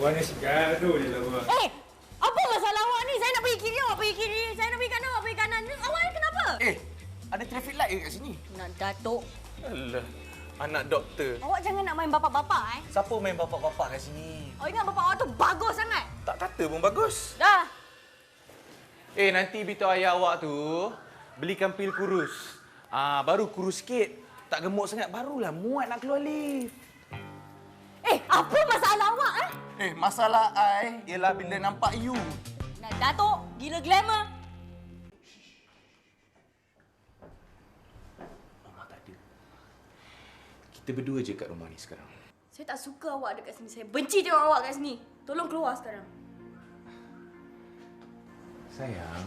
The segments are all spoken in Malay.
Awak ni segaduh je lah awak. Apa masalah awak ni? Saya nak pergi kiri, awak pergi kiri. Saya nak pergi kanan, awak pergi kanan. Awak ni kenapa? Ada traffic light ke kat sini? Nak Datuk. Alah, anak doktor. Awak jangan nak main bapak-bapak, Siapa main bapak-bapak kat sini? Awak ingat bapak awak tu bagus sangat. Tak kata pun bagus. Dah. Nanti beritahu ayah awak tu belikan pil kurus. Baru kurus sikit. Tak gemuk sangat, barulah muat nak keluar lift. Apa masalah awak, Masalah I ialah bila nampak you. Nak Datuk, gila glamour. Mama tak ada. Kita berdua je kat rumah ni sekarang. Saya tak suka awak dekat sini. Saya benci tengok awak kat sini. Tolong keluar sekarang. Sayang.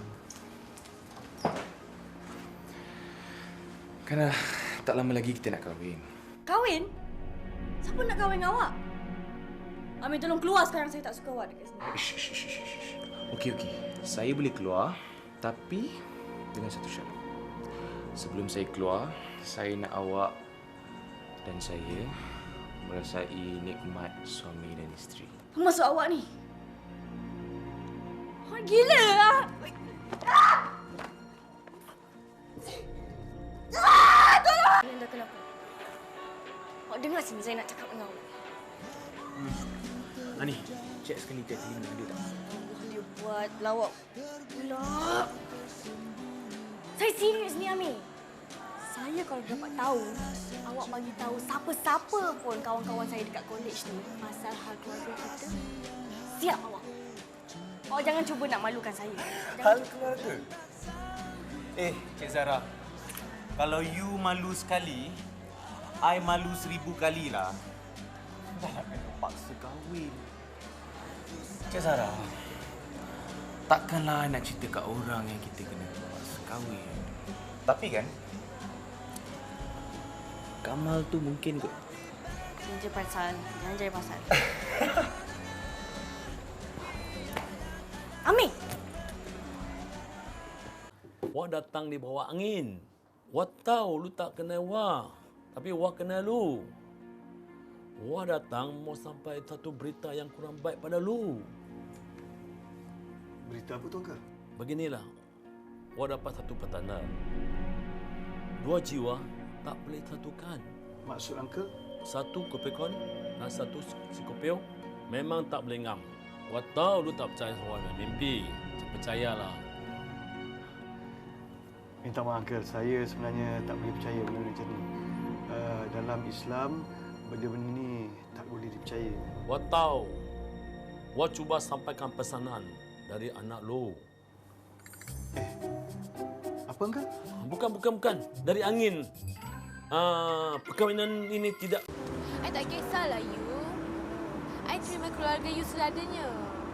Kan tak lama lagi kita nak kahwin. Kahwin? Siapa nak kahwin dengan awak? Amin, tolong keluar sekarang. Saya tak suka awak dekat sini. Okey. Saya boleh keluar, tapi dengan satu syarat. Sebelum saya keluar, saya nak awak dan saya merasai nikmat suami dan isteri. Apa maksud awak ni? Awak gila lah. Tolong! Kalian dah kenapa? Awak dengar sini, saya nak cakap dengan awak. Ani, cek sekali kat telinga dia tak? Dia buat lawak pula. Saya serius ni, Amir. Saya kalau dapat tahu, awak bagi tahu siapa-siapa pun kawan-kawan saya dekat kolej ni pasal hal keluarga kita, siap awak. Awak jangan cuba nak malukan saya. Hal keluarga? Cik Zara. Kalau you malu sekali, I malu 1000 kali lah. Dah nak kena paksa kahwin. Cik Zara, takkanlah nak cerita kat orang yang kita kena paksa kahwin. Tapi kan, Kamal tu mungkin kot. Jangan cari pasal. Amir! Wah datang di bawah angin. Wah tahu lu tak kenal Wah. Tapi Wah kenal lu. Wah datang mau sampai satu berita yang kurang baik pada lu. Berita apa tu, Uncle? Beginilah. Wah dapat satu petanda. 2 jiwa tak boleh satukan. Maksud Uncle? Satu Kopekon dan satu Sikopeo memang tak boleh ngam. Wah tahu lu tak percaya sama mimpi. Percayalah. Minta maaf, Uncle. Saya sebenarnya tak boleh percaya benda macam ni. Dalam Islam, benda-benda ni tak boleh dipercaya. Wah tahu. Wah cuba sampaikan pesanan dari anak lu. Apa, Uncle? Bukan. Dari angin. Perkahwinan ini tidak... I tak kisahlah you. I terima keluarga you seadanya.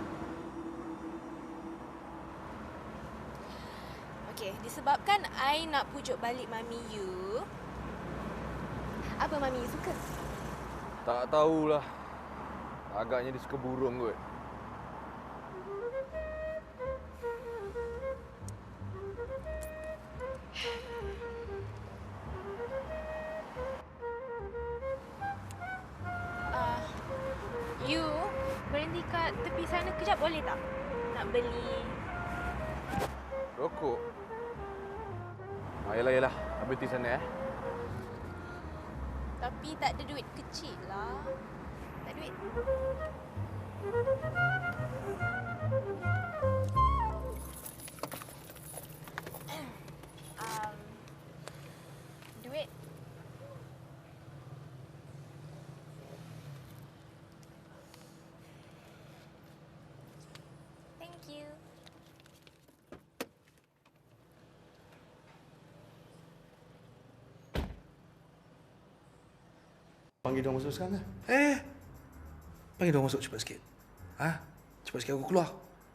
Okey, disebabkan I nak pujuk balik mami you. Apa mami you suka? Tak tahulah. Agaknya dia suka burung kot. You berhenti kat tepi sana kejap boleh tak? Nak beli. Rokok? Yalah. Habis di sana Tapi tak ada duit kecil lah. Tak duit. Duit. Thank you. Panggil dia masuk sekarang ke? Panggil dia masuk cepat sikit. Cepat sikit aku keluar.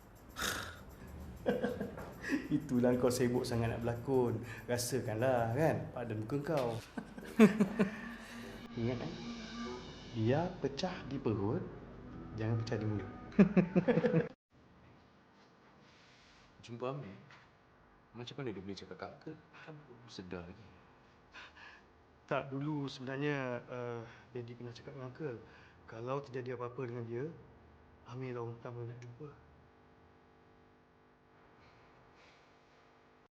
Itulah kau sibuk sangat nak berlakon. Rasakanlah kan pada muka kau. Ingat biar pecah di perut, jangan pecah di mulut. Jumpa Amir. Macam mana dia boleh cakap kat Uncle? Kan belum sedar lagi. Tak, dulu sebenarnya Daddy pernah cakap dengan Uncle, kalau terjadi apa-apa dengan dia, Ami long time tak jumpa.